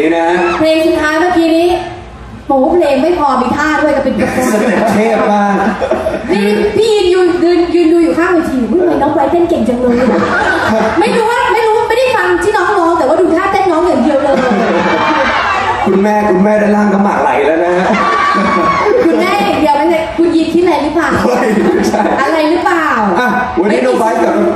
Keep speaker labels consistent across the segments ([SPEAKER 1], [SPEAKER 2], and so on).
[SPEAKER 1] นี้นะฮะ
[SPEAKER 2] เพลงสุดท้ายเมื่อกี้นี้โอ้เพลงไม่พอมีท่าด้วยก็เป็นกระโปรง
[SPEAKER 1] สเต็ปเทพมาก
[SPEAKER 2] นี่พี่ยืนดูอยู่ข้างเวทีทำไมน้องไบรท์เต้นเก่งจังเลยไม่รู้ไม่ได้ฟังที่น้องร้องแต่ว่าดูท่าเต้นน้องอย่างเดียวเลย
[SPEAKER 1] คุณแม่ด้านล่างก็หมากไหลแล้วนะฮะ
[SPEAKER 2] คุณแม่อย่างเดียวไม่ใช่คุณยินที่ไหนหรือเปล่าอะไรหรือเปล่า
[SPEAKER 1] วันนี้น้องไบรท์กับ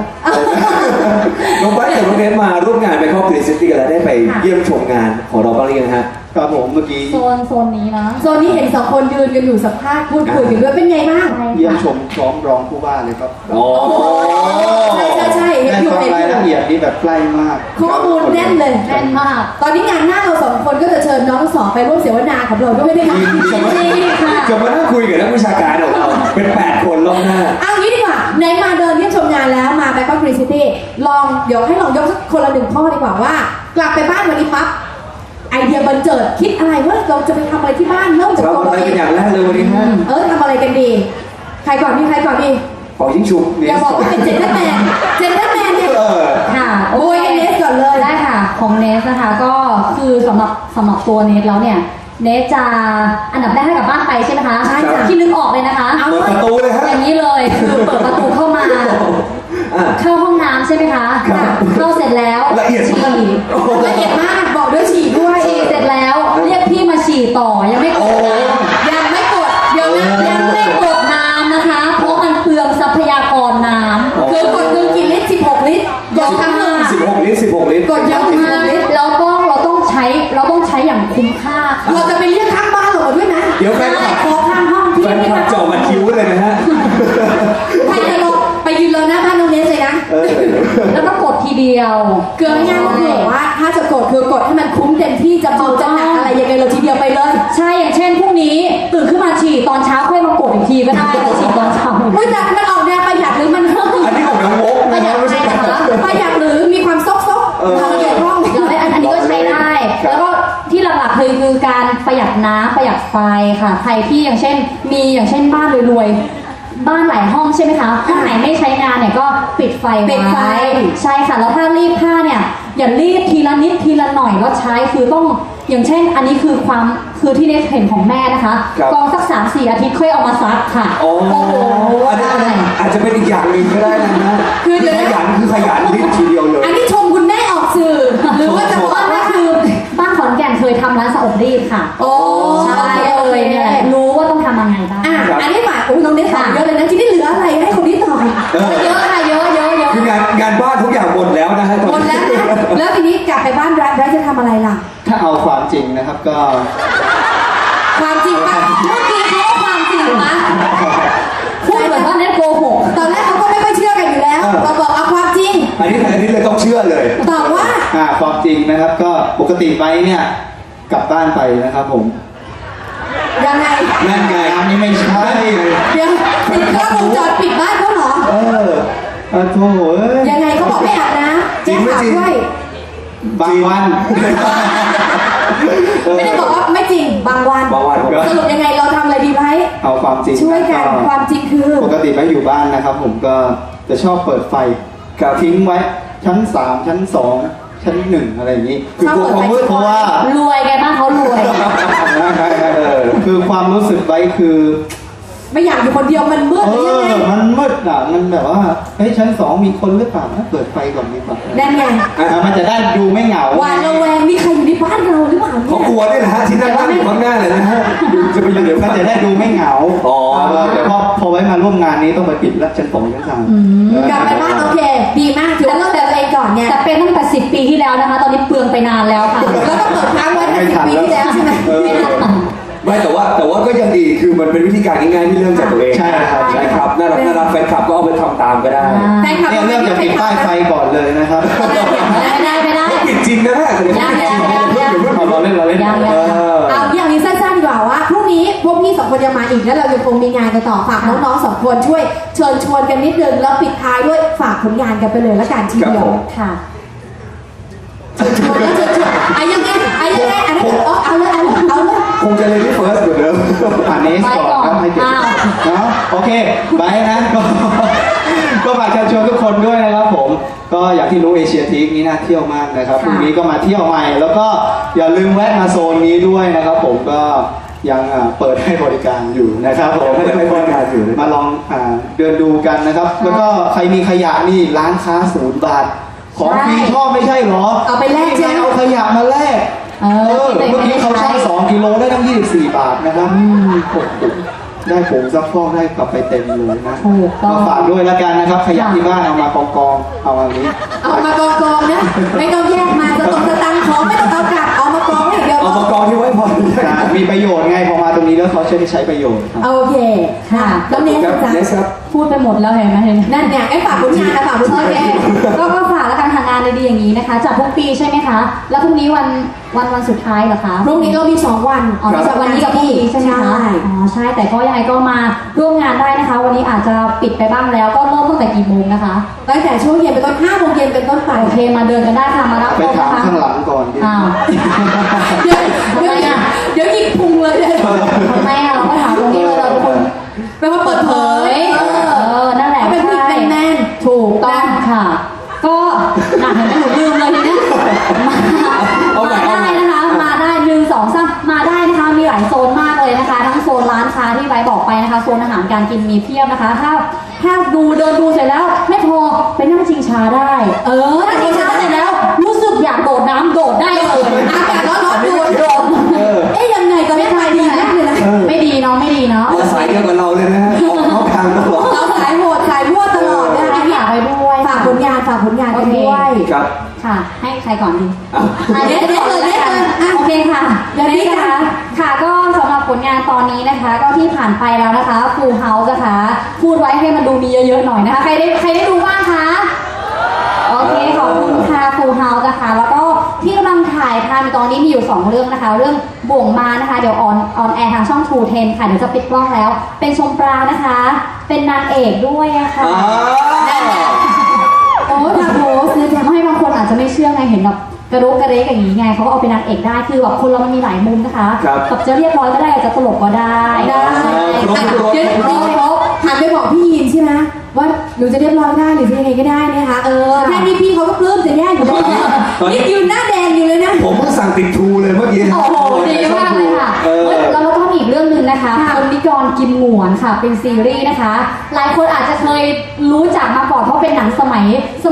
[SPEAKER 1] น้องไบรท์กับน้องเนสมาร่วมงานไปครอบครัวซิตี้กันแล้วได้ไปเยี่ยมชมงานของเราบ้างหรือยังฮะ
[SPEAKER 3] ครับผมเมื่อกี้
[SPEAKER 4] โซนนี้นะ
[SPEAKER 2] โซนนี้เห็นสองคนยืนกันอยู่สัมภาษณ์พูดคุยกันด้วยเป็นไงบ้าง
[SPEAKER 3] เยี่ยมชมพร้อมร้องผู้ว่าเลยครับ
[SPEAKER 1] โอ้
[SPEAKER 2] ใช่
[SPEAKER 3] ได้ฟังรายละเอียดที่แบบใกล้มาก
[SPEAKER 2] ข้อมูลแน่นเลย
[SPEAKER 4] แน่นมาก
[SPEAKER 2] ตอนนี้งานหน้าเราสองคนก็จะเชิญน้องสองไปร่วมเสวนาของเราก็ไม่ได้ค่ะ
[SPEAKER 1] จะมานั่งคุยกับนักวิชาการของเราเป็น8 คนรอบหน้า
[SPEAKER 2] เอางี้ดีกว่าไหนมาเดินเยี่ยมชมงานแล้วมาแบงคอกซิตี้เดี๋ยวให้ลองยกสักคนละ1 ข้อดีกว่าว่ากลับไปบ้านวันนี้ปั๊บไอเดียบันเจิดคิดอะไรว่าเราจะไปทำอะไรที่บ้านเริ่มจากตัวเราเอง
[SPEAKER 1] อย่างแรกเลยวันนี้ฮะ
[SPEAKER 2] ทำอะไรกันดีใครก่อนดี
[SPEAKER 1] ขอยิ่งชุบ
[SPEAKER 2] อย่าบอกว่าเป็นเจนเตอร์แมนเนี่ย
[SPEAKER 4] ค่ะ
[SPEAKER 2] โอ้ยเนสก่อนเลย
[SPEAKER 4] ได้ค่ะของเนสนะคะก็คือสำหรับตัวเนสแล้วเนี่ยเนสจะอันดับแรกให้กับบ้านไปใช่ไหมคะ
[SPEAKER 2] ใช่ค่ะ
[SPEAKER 4] ที่นึกออกเลยนะคะ
[SPEAKER 1] เปิดประตูเลยฮะ
[SPEAKER 4] อย่างนี้เลยคือเปิดประตูเข้ามาเข้าห้องน้ำใช่ไหมคะเข้าเสร็จแล้ว
[SPEAKER 1] ละเอียด
[SPEAKER 4] ฉี่
[SPEAKER 2] ละเอียดมากบอกด้วยฉี่ด้วย
[SPEAKER 4] ฉี่เสร็จแล้วเรียกพี่มาฉี่ต่อยังไม่กด
[SPEAKER 2] ยังไม่กด
[SPEAKER 4] เดี๋ยวนะยังไม่กดน้ำนะคะเพราะมันเปลืองทรัพยากรน้ำ
[SPEAKER 2] คือกดนึงกี่ลิตร16 ลิตรยกทั้งนึง
[SPEAKER 1] 16 ลิตร
[SPEAKER 2] กดเยอะมาก
[SPEAKER 4] เราต้องใช้อย่างคุ้มค่า
[SPEAKER 2] เราจะไปเรียกข้างบ้านเราด้วยนะ
[SPEAKER 1] เดี๋ยวแฟนคลับ
[SPEAKER 2] ขอข้างห้องที่
[SPEAKER 1] แฟนคลับจ่อมาคิ้วเลยนะฮะ
[SPEAKER 2] ใครจะลงไปยืนเลยนะบ้านน้องเนสเลยนะ
[SPEAKER 4] แล้วก็กดทีเดียว
[SPEAKER 2] เกลือง่ายก็คือว่าถ้าจะกดคือกดให้มันคุ้มเต็มที่จะเบาจะหนักอะไรยังไงเราทีเดียวไปเลย
[SPEAKER 4] ใช่อย่างเช่นพรุ่งนี้ตื่นขึ้นมาฉี่ตอนเช้าค่อยมากดอีกทีก็ได้แต่ฉี่ตอนเช้า
[SPEAKER 2] ไม่แต่มันออกแนวประหยัดหรือมัน
[SPEAKER 1] อันนี้ของน้องโอ๊ค
[SPEAKER 4] ประหยัดใช่ไหมคะ
[SPEAKER 2] ประหยัดหรือมีความซกเราเกี่ยวข้อง
[SPEAKER 4] อันนี้ก็ใช้ได้แล้วก็ที่หลักๆคือการประหยัดน้ำประหยัดไฟค่ะใครที่อย่างเช่นบ้านรวยๆบ้านหลายห้องใช่ไหมคะห้องไหนไม่ใช้งานเนี่ยก็ปิดไฟไว้ใช่ค่ะแล้วถ้ารีดผ้าเนี่ยอย่ารีดทีละนิดทีละหน่อยว่าใช้คือต้องอย่างเช่นอันนี้คือที่เนสเห็นของแม่นะคะกองสัก 3-4 อาทิตย์ค่อยเอามาซักค่ะ
[SPEAKER 1] โอ้โหอันนี้อาจจะเป็นอีกอย่างหนึ่งก็ได้นะคือขยันรีดทีเดียวเลย
[SPEAKER 2] อันนี้ชมคุณแม่ออกสื่อหรือว่าจะบอกว่าคือ
[SPEAKER 4] บ้านขอนแก่นเคยทำร้านสะอบรีดค่ะ
[SPEAKER 2] โอ้
[SPEAKER 4] ใช่เลยเนี่ยรู้ว่าต้องทำยังไงบ้าง
[SPEAKER 2] อันนี้ฝากน้องเนสตอบเยอะเลยนะที่นี่เหลืออะไรให้คนนี้ตอบเยอะค่ะเยอะ
[SPEAKER 1] คืองานบ้านทุกอย่างหมดแล้วนะฮะ
[SPEAKER 2] หมดแล้วนะแล้วทีนี้กลับไปบ้านแบรจะทำอะไรล่ะ
[SPEAKER 3] ถ้าเอาความจริงนะครับก็
[SPEAKER 2] ความจริงป่ะเมื่อกี้เขาความจริงนะ
[SPEAKER 4] พูดเหมือนว่าเนสโกหก
[SPEAKER 2] ตอนแรกเขาก็ไม่ค่อยเชื่อกันอยู่แล้วเราบอกเอาความจริง
[SPEAKER 1] อันนี้เลยต้องเชื่อเลย
[SPEAKER 2] ตอบว่า
[SPEAKER 3] ความจริงนะครับก็ปกติไปเนี่ยกลับบ้านไปนะครับผม
[SPEAKER 2] ยังไง
[SPEAKER 1] นั่นไง
[SPEAKER 3] อันนี้ไม่ใช่
[SPEAKER 2] เดี๋ยวติดกล้องวงจรปิดบ้านเขาเหรอ
[SPEAKER 3] โถ่
[SPEAKER 2] ยังไงเขาบอกไม่อาบน้ำแจ้งข่าวด้วย
[SPEAKER 3] บางวัน
[SPEAKER 2] ไม่ได้บอกว่าไม่จริงบางวันสรุปยังไงเราทำอะไรดีไหม
[SPEAKER 3] เอาความจริง
[SPEAKER 2] ช่วยกันความจริงคือ
[SPEAKER 3] ปกติไปอยู่บ้านนะครับผมก็จะชอบเปิดไฟทิ้งไว้ชั้น3ชั้น2ชั้น1อะไรอย่างนี้
[SPEAKER 2] คือกลัวความมืด
[SPEAKER 3] เพราะว่
[SPEAKER 4] ารวยไงบ้างเขารวย
[SPEAKER 3] คือความรู้สึกไว้คือ
[SPEAKER 2] ไม่อยากอยู่คนเดียวมันมืดหรือยังไง
[SPEAKER 3] มันมืดอ่ะมันแบบว่าชั้น2มีคนหรือเปล่าเปิดไฟก่อนดีกว่า
[SPEAKER 2] นั่นไง
[SPEAKER 3] มันจะได้ดูไม่เหงา
[SPEAKER 2] หวาดระแวงมีใครอยู่ในบ้านเราหรือเปล่า
[SPEAKER 1] เขากลัวด้วยนะฮะที่นั่งอยู่ข้างหน้าเลยนะฮะ
[SPEAKER 3] จะไปอยู่เดี๋ยวมันจะได้ดูไม่เหงาพอไว้มาร่วมงานนี้ต้องไปปิดชั้น2ชั้น
[SPEAKER 2] 3กลับไปบ้านโอเคดีมากถือว่าเราเติมเองก่อนเนี่ย
[SPEAKER 4] แต่เป็นตั้งแต่10 ปีที่แล้วนะคะตอนนี้เปลืองไปนานแล้วค่ะ
[SPEAKER 2] แล้วก็เปิดค้างไว้10 ปีที่แล้วใช่ไหม
[SPEAKER 1] ไม่แต่ว่าก็ยังดีคือมันเป็นวิธีการง่ายๆที่เริ่มจากตัวเอง
[SPEAKER 3] ใช่
[SPEAKER 1] ครับน่ารักแฟนคลับก็เอาไปทำตามก็ได้
[SPEAKER 3] เนี่ยเริ่มจากติดป้ายไฟก่อนเลยนะครับ
[SPEAKER 4] ไม่ได้
[SPEAKER 1] ปิดจริงนะฮะ
[SPEAKER 3] เราเล่น
[SPEAKER 2] เอาอย่างนี้สั้นๆดีกว่าว่าพรุ่งนี้พวกพี่2 คนยังมาอีกแล้วเรายังคงมีงานกันต่อฝากน้องๆ2 คนช่วยเชิญชวนกันนิดนึงแล้วปิดท้ายด้วยฝากผลงานกันไปเลยละกันทีเดียวค่ะเชิญชวนยังไงอันนั้นเอาเลย
[SPEAKER 1] คงจะเลยที่เฟิร์สเหมือนเดิม
[SPEAKER 3] ผ่านเนสก่อนให้เก็บเนาะโอเคไปนะก็ฝากเชิญชวนทุกคนด้วยนะครับผมก็อย่างที่รู้เอเชียทีคนี้น่าเที่ยวมากนะครับพรุ่งนี้ก็มาเที่ยวใหม่แล้วก็อย่าลืมแวะมาโซนนี้ด้วยนะครับผมก็ยังเปิดให้บริการอยู่นะครับผม
[SPEAKER 1] ให้บริการอยู่
[SPEAKER 3] มาลองเดินดูกันนะครับ แล้วก็ใครมีขยะนี่ร้านค้า0 บาทของฟรีชอบไม่ใช่เหรอ
[SPEAKER 2] เอาไปแลกใช่ไหม
[SPEAKER 3] เอาขยะมาแลก
[SPEAKER 4] ที่
[SPEAKER 3] เมื่อกี้เขา
[SPEAKER 4] ใช้
[SPEAKER 3] ช่าง2 กิโลได้ตั้ง24 บาทนะครับโอ้โหได้ผงซักฟอกได้กลับไปเต็มเลยนะ
[SPEAKER 4] ถูกต้อง
[SPEAKER 3] มาฝากด้วยแล้วกันนะครับ ขยะที่บ้านเอามากองๆเอาอันนี้
[SPEAKER 2] เอามากองๆนะไม่ต้องแยกมาสตังค์ของไม่ต้องเอากลับเอามากองไว้อย่างเดียว
[SPEAKER 1] เอามากองที่ไว้พอ
[SPEAKER 3] มีประโยชน์ไงพอมาตรงนี้แล้วเขาจะได้ใช้ประโยชน์ครับ
[SPEAKER 2] โอเคค่ะแล้วเนส
[SPEAKER 1] ครับ
[SPEAKER 2] จ๊ะ
[SPEAKER 1] เนสครับ
[SPEAKER 4] พูดไปหมดแล้วเห็นไหมเห็นไหม
[SPEAKER 2] นั่นเนี่ยไอ้ฝากผลงานนะฝากผลงาน
[SPEAKER 4] โอเคก็ฝากแล้วกันทางงานดีๆอย่างนี้นะคะจัดทุกปีใช่ไหมคะ แล้วพรุ่งนี้วันสุดท้ายเหรอคะ
[SPEAKER 2] พรุ่งนี้เรามี2 วัน
[SPEAKER 4] อ๋อมีจากวันนี้กับพรุ่งนี้ใช่ไหมคะ อ๋อใช่ แต่ก็ยังไงก็มาร่วมงานได้นะคะ วันนี้อาจจะปิดไปบ้างแล้ว ก็เริ่มตั้งแต่กี่โมงนะคะ
[SPEAKER 2] ตั้งแต่ช่วงเย็นเป็นต้น5 โมงเย็นเป็นต้นไป
[SPEAKER 4] โอเค มาเดินกันได้ค่ะ มารับ
[SPEAKER 3] ไป
[SPEAKER 4] ชม
[SPEAKER 3] ถาม
[SPEAKER 4] นะคะ
[SPEAKER 3] ข้างหลังก่อนดิ
[SPEAKER 4] อ้าว
[SPEAKER 2] เดี๋ยว
[SPEAKER 4] ทำไมอ่ะ
[SPEAKER 2] เดี๋ยวหยิกพุงเลยเลย
[SPEAKER 4] ทำไมอ่ะเราก็ถามตรงนี้เลยเราทุกคน
[SPEAKER 2] เป็นว่าเปิดเผย
[SPEAKER 4] นั่นแหละ
[SPEAKER 2] เป็นผู้หญิง
[SPEAKER 4] ใช่
[SPEAKER 2] แมน
[SPEAKER 4] ถูกต้องค่ะ ก็หนักเห็นไหมหนูลืมเลยทีเนี้ยมาได้นะคะ มาได้1 2 3มาได้นะคะ มีหลายโซนมากเลยนะคะ ทั้งโซนร้านค้าที่ไว้บอกไปนะคะ โซนอาหารการกินมีเพียบนะคะ ถ้าเดินดูเสร็จแล้วไม่พอไปนั่งชิงช้าได้ นั่งชิงช้าเสร็จแล้ว รู้สึกอยากโดดน้ำโดดได้เลย
[SPEAKER 2] อากาศร้อนๆโดดเอ๊ยยังไงตอนนี้ทายดีมากเลยนะ
[SPEAKER 4] ไม่ดีเนาะไม่ดีเนาะ
[SPEAKER 1] มาสายเดียวกับเราเลยนะฮะออกนอกทางตลอด
[SPEAKER 2] เราสายโหดสายมั่วตลอดนะคะ
[SPEAKER 4] อยากไปด้วย
[SPEAKER 2] ฝากผลงานกันด้วย
[SPEAKER 1] ครับ
[SPEAKER 4] ค่ะ ให้ใครก่อนดี
[SPEAKER 1] อ่ะ
[SPEAKER 2] เน็ตเลยอ่ะ
[SPEAKER 4] โอเคค่ะ
[SPEAKER 2] เดี๋ยวนี้
[SPEAKER 4] นะคะค่ะก็สำหรับผลงานตอนนี้นะคะ ก็ที่ผ่านไปแล้วนะคะ Full House นะคะพูดไว้ให้มันดูมีเยอะๆหน่อยนะคะ ใครได้ดูบ้างคะโอเคขอบคุณค่ะ Full House นะคะแล้วก็ที่กำลังถ่ายทำตอนนี้มีอยู่2 เรื่องนะคะ เรื่องบ่วงมานะคะเดี๋ยวออนแอร์ทางช่อง True 10 ค่ะเดี๋ยวจะปิดกล้องแล้ว เป็นชมปรางนะคะ เป็นนางเอกด้วยอะค่ะ โอ้ทาโพสเนี่ยทำให้บางคนอาจจะไม่เชื่อไงเห็นแบบกระโดกกระเดกอย่างนี้ไงเขาก็เอาเป็นนางเอกได้คือแบบคนเรามันมีหลายมุมนะคะ
[SPEAKER 1] ครับ
[SPEAKER 4] แบบจะเรียบร้อยก็ได้จะตลกก็ได้
[SPEAKER 2] ได้
[SPEAKER 1] ครบครบ
[SPEAKER 2] เดี๋ยวหันไปบอกพี่ยินใช่ไหมว่าหนูจะเรียบร้อยได้หรือจะยังไงก็ได้นะคะแค่นี้พี่เขาก็ปลื้มจะแย่อยู่แล้วนี่ยืนหน้าแดงอยู่เลยนะ
[SPEAKER 1] ผมเพิ่งสั่งติดทูเลยเมื่อกี้
[SPEAKER 4] โอ้โหดีมากเลยค่ะ
[SPEAKER 1] เออ
[SPEAKER 4] แล้วก็มีอีกเรื่องหนึ่งนะคะคนนิกรกินหงวนค่ะ เป็นซีรีส์นะคะ หลายคนอาจจะเคยรู้จักมาก่อนเพราะเป็นหนังสมัย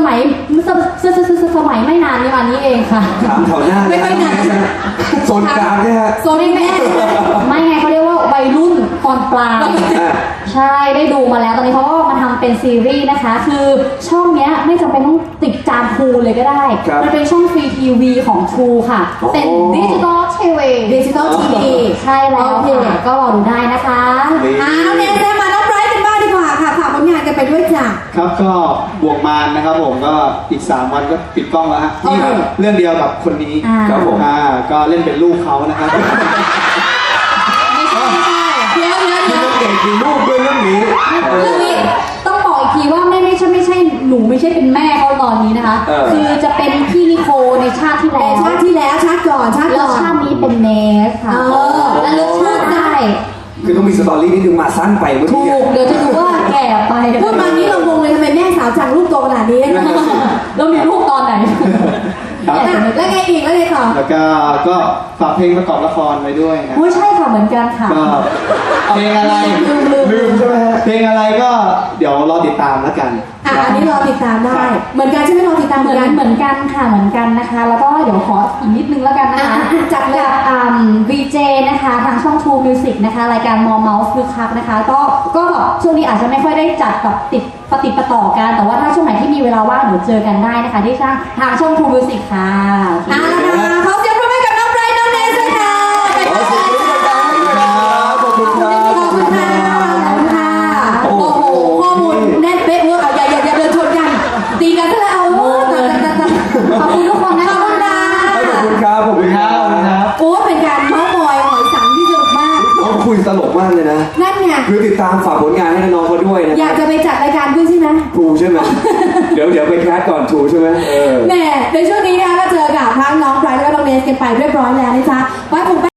[SPEAKER 4] ไม่นานนี้มานี้เองค่ะ
[SPEAKER 1] ถามแถวหน้า
[SPEAKER 2] ไม่ค่อยหนัก
[SPEAKER 1] โซนกลางเนี่ยฮะ
[SPEAKER 2] โซนแม่
[SPEAKER 4] ไม่ไงเขาเรียกว่าวัยรุ่นตอนปลาย
[SPEAKER 1] อ่ะ
[SPEAKER 4] ใช่ได้ดูมาแล้วตอนนี้เขาก็มาทำเป็นซีรีส์นะคะ คือช่องเนี้ยไม่จำเป็นต้องติดจานทูเลยก็ได้
[SPEAKER 1] ครับ
[SPEAKER 4] มันเป็นช่องฟรีทีวีของ True ค่ะ
[SPEAKER 1] อ๋อ
[SPEAKER 4] เป็นดิจิตอลทีวี
[SPEAKER 2] ดิจิตอลทีวี
[SPEAKER 4] ใช่แล้วค่ะก็รอดูได้นะคะ
[SPEAKER 2] น้องเนสมาน้องไบรท์กันบ้างดีกว่าค่ะฝากผลงานกันไปด้วยจ้ะ
[SPEAKER 3] ครับก็บวกมารนะครับผมก็อีก3 วันก็ปิดกล้องแล้วฮะนี่
[SPEAKER 2] โอเค
[SPEAKER 3] เรื่องเดียวกับคนนี้
[SPEAKER 1] ครับผม
[SPEAKER 3] ก็เล่นเป็นลูกเขานะครับ
[SPEAKER 4] ไม่ใช่ไม่ใช่
[SPEAKER 2] เดี๋ยว
[SPEAKER 1] เรื่องเด็กมีลูกด้วยเรื่องนี้
[SPEAKER 4] เรื่องนี้ต้องบอกอีกทีว่าไม่ใช่หนูไม่ใช่เป็นแม่เขาตอนนี้นะคะ คือจะเป็นพี่นิโคในชาติที่
[SPEAKER 2] แต่
[SPEAKER 4] แล้ว
[SPEAKER 2] ชาติที่แล้วชาติก่อน
[SPEAKER 4] แล้วชาตินี้เป็นเนสค่ะ และลึกชาติได้
[SPEAKER 1] คือต้องมีสตอรี่นิดนึงมาสั้นไปเมื่อ
[SPEAKER 4] ถู
[SPEAKER 1] กี้
[SPEAKER 4] กเดี๋ยวจะดูว่าแก่ไป
[SPEAKER 2] พูดมานี้เรางงเลยทำไมแม่สาวจังลูกโตขนาดนี้
[SPEAKER 4] แล้วมีลูกตอนไหน
[SPEAKER 3] ครับ
[SPEAKER 2] แล้วไงอีกแล้วไงต่อ
[SPEAKER 3] แล้วก็ฝากเพลงประกอบละครไว้ด้วยนะ
[SPEAKER 4] โอ้ยใช่ค่ะเหมือนกันค่ะ
[SPEAKER 3] ก็เพลงอะไรลืมใช่ไหมฮะเพลงอะไรก็เดี๋ยวรอติดตามแล้วกัน
[SPEAKER 2] อันนี้รอติดตามได้ เหมือนกันใช่ไหมรอติดตาม
[SPEAKER 4] เห
[SPEAKER 2] เห
[SPEAKER 4] มื
[SPEAKER 2] มื
[SPEAKER 4] อ
[SPEAKER 2] อน นกัน
[SPEAKER 4] เหมือนกันค่ะเหมือนกันนะคะ แล้วก็เดี๋ยวขออีกนิดนึงแล้วกันนะคะ
[SPEAKER 2] จัดเลย
[SPEAKER 4] กับVJ นะคะทางช่อง True Music นะคะรายการมอเมาส์คือคักนะคะก็แบบช่วงนี้อาจจะไม่ค่อยได้จัดแบบติดประต่อกันแต่ว่าถ้าช่วงไหนที่มีเวลาว่างเดี๋ยวเจอกันได้นะคะที่ทางช่อง True Music ค่ะโอเค
[SPEAKER 2] ขอเสียงปรบมือกับน้องไบรท์น้องเนสด้วยค่ะ
[SPEAKER 1] ขอเสียงปรบมือครับขอบคุณครับ
[SPEAKER 2] ขอบคุณค่ะขอบคุณค่ะโอ้โหข้อมูลแน่นเป๊ะเวอร์อย่าเดินชนกันตีกันซะแล้วโอ้ขอบคุณทุกคนนะคะขอบคุณค่ะ
[SPEAKER 1] ขอบคุณครับขอบคุณครับ
[SPEAKER 2] โอ้เป็นการเมาส์มอยหอยสังที่สนุกมาก
[SPEAKER 1] เขาคุยตลกมากเลยนะ
[SPEAKER 2] นั่นไง
[SPEAKER 1] คือติดตามฝากผลงานให้น้องเขาด้วยนะ
[SPEAKER 2] อยากจะไปจัดรายการด้วยใช่ไหม
[SPEAKER 1] ทูใช่ไหม เดี๋ยวไปแคสก่อนทูใช่ไหมเออ
[SPEAKER 2] แหม่ในช่วงนี้นะคะก็เจอกับทั้งน้องไบรท์และน้องเนสกันไปเรียบร้อยแล้วนะจ๊ะไว้ผมไป